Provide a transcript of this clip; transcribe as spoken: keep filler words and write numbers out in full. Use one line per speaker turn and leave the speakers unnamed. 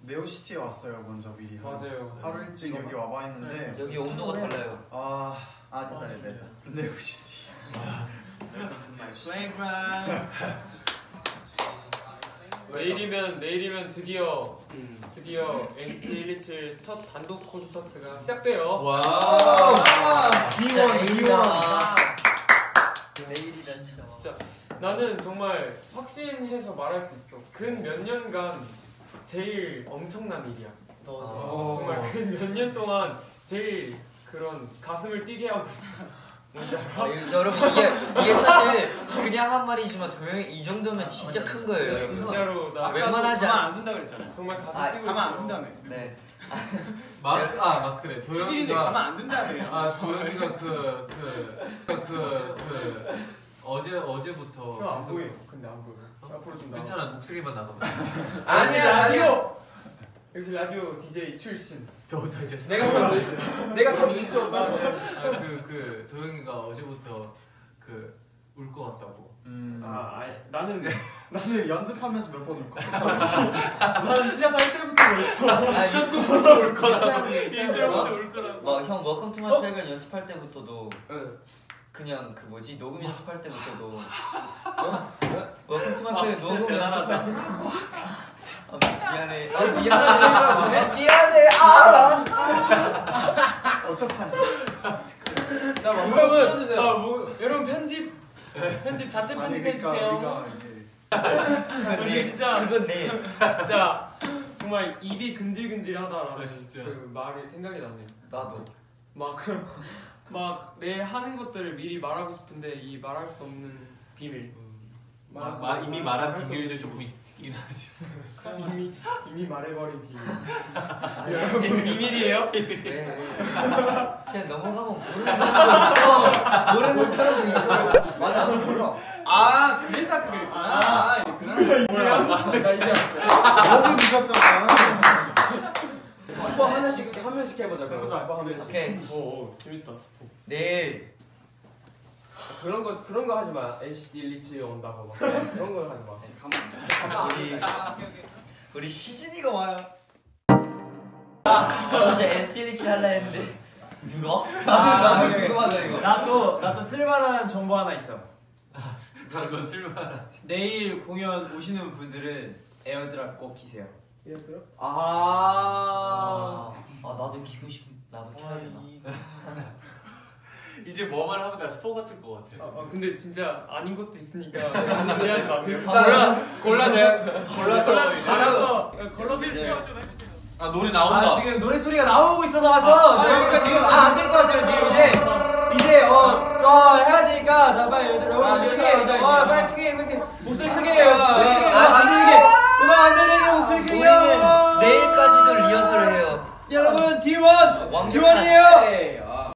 네오시티에 왔어요 먼저 미리.
맞아요.
하루 일찍 여기 와봐 했는데
여기 온도가 달라요.
아,
아 됐다 됐다 됐다.
네오시티.
Welcome to my playground.
내일이면 내일이면 드디어 드디어 엔시티 일이칠 첫 단독 콘서트가 시작돼요.
와.
진짜
내일이다. 내일이다 진짜.
진짜 나는 정말 확신해서 말할 수 있어. 근 몇 년간 제일 엄청난 일이야. 너 정말 근 몇 년 동안 제일 그런 가슴을 뛰게 하고 있어. 뭔지 알아?
아, 여러분 이게 이게 사실 그냥 한 말이지만 도영이 이 정도면 진짜 큰 거예요.
네, 진짜로 나
웬만하지
가만 안 둔다 그랬잖아요.
정말 가슴
아,
뛰고
가만 안
있어.
둔다며.
네.
마크 아 마크래
수진인데 가만
도영이가
안 둔다며.
아 도영이가 그 그 그 그 어제 어제부터
형 안
계속-
보여. 근데 안 보여. 앞으로 좀 나와.
괜찮아 목소리만 나가면
아니야 라디오. 역시 라디오 디제이 출신.
더 다이제스트.
내가 더 내가 더 진짜 없어.
그그 도영이가 어제부터 그 울 것 같다고.
음.
아, 아니, 나는
사실 연습하면서 몇 번 울 것 같아.
나는 시작할 때부터 그랬어.
아,
첫 곡부터 울 거라고.
인트로부터
인트로부터 울 거라고.
막형 워컴 투 마이 플레이그라운드 연습할 때부터도
응.
그냥 그 뭐지 녹음 연습할 때부터도 워컴 투 마이
아,
플레이그라운드
진짜
녹음
대단하다.
연습할 때도 아 미안해 아 미안해 미안해 아
어떡하지?
자, 뭐, 여러분, 아, 뭐, 여러분 편집, 편집 자체
아니,
편집해
그러니까
주세요.
우리가 이제
우리 진짜
그건 내
진짜 정말 입이 근질근질하다라는
아, 진짜.
그 말이 생각이 나네요.
나도
막 내 하는 것들을 미리 말하고 싶은데 이 말할 수 없는 비밀.
마,
말할 수
마,
없는-
이미
말할
말한
수
비밀도
없는
조금 있긴 하지.
이미 이미 말해버린 비밀.
아니,
여러분 비밀이에요?
네. 그냥 넘어가면 모르는 사람도 있어 모르는 사람도 있어 맞아 몰라
아 그래서 그게 아
뭐야? 나 이제 왔어.
너무 늦었잖아.
스포 하나씩 한 명씩 해보자.
해보자.
스포 한 명씩.
오케이
오, 오 재밌다. 스포.
내일
그런 거 그런 거 하지 마. 엔시티 일이칠 온다고 막 그런 거 하지 마.
우리 우리 시즌이가 와요. 사실 에스티엘이치 할라 했는데 누가? 나도 궁금하다 이거.
나도 나도 쓸만한 정보 하나 있어.
다른 건 쓸만하지.
내일 공연 오시는 분들은 에어드랍 꼭 키세요.
얘들아? 아.
아, 아 나도 키고 싶. 나도 켜야 되나?
이제 뭐만 하면 다 스포 같을 것 같아.
아, 아 근데 진짜 아닌 것도 있으니까 이해하지 마세요.
골라 골라 내가
골라서
골라서 이제
알아서 걸러빌
네.
스케줄 좀 해주세요.
아 노래 나온다.
아 지금 노래 소리가 나오고 있어서 와서
아,
저희가
아,
지금
아,
아 안 될 것 같아요 지금 이제 이제 어어 해야 되니까 자 빨리 여러분
아,
크게
이제 이제
어
이제.
빨리 크게 크게 목소리 크게 해요.
아,
목소리 크게
아,
음악 안
지금-
들리게 음악 안 들리게 목소리 크게
우리는 내일까지도 리허설을 해요.
여러분 디 원
완벽한
디 원이에요